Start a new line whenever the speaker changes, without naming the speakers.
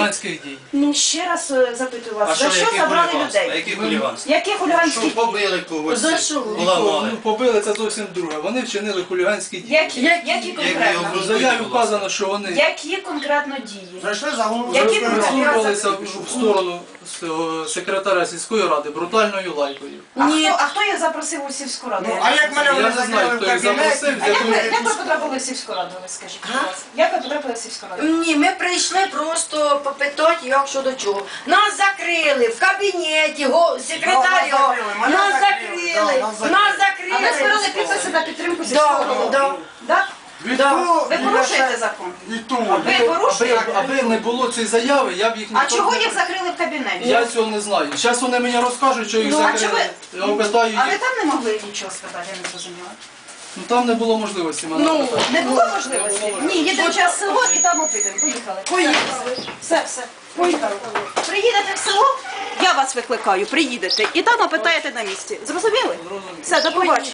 хуліганських дій.
Ну, ще раз запитую
А
вас, за що
яке
забрали
хуліганство?
людей?
Які хуліганство?
Які хуліганські
Що
дії?
побили когось?
За що?
Поламали.
Ну, побили, це зовсім друге. Вони вчинили хуліганські дії.
Які конкретно?
В заяві вказано, що вони
Які конкретно дії?
Зайшли за голову.
Які
висловлювалися в сторону секретаря сільської ради брутальною лайкою.
А хто їх запросив у сільську раду?
А як мене
Я
вони
не знаю,
закрили в
хто їх запросив,
кабінеті?
А як ви потрапили в сільську раду, ви скажіть, будь ласка? Як ви потрапили в сільську раду?
Ні, ми прийшли просто попитати, як що до чого. Нас закрили в кабінеті, секретар його, нас закрили.
А ви збирали підписи на підтримку
Да,
сільського голови?
да.
Так? Ви порушуєте закон?
І ту.
Ви порушуєте?
Аби не було цієї заяви, я б їх
А
ніхто
чого
не-
їх закрили в кабінеті?
Я цього не знаю. Зараз вони мені розкажуть, що їх
Ну, а
закрили.
чого
Я питаю
А ви
їх.
там не могли нічого сказати, я не зрозуміла.
Ну там не було можливості мене запитати.
Не було можливості? Ні, їдемо зараз в село і там опитуємо. Поїхали. Все. Поїхали. Приїдете в село, я вас викликаю, приїдете і там опитаєте на місці. Зрозуміли? Все, до побачення.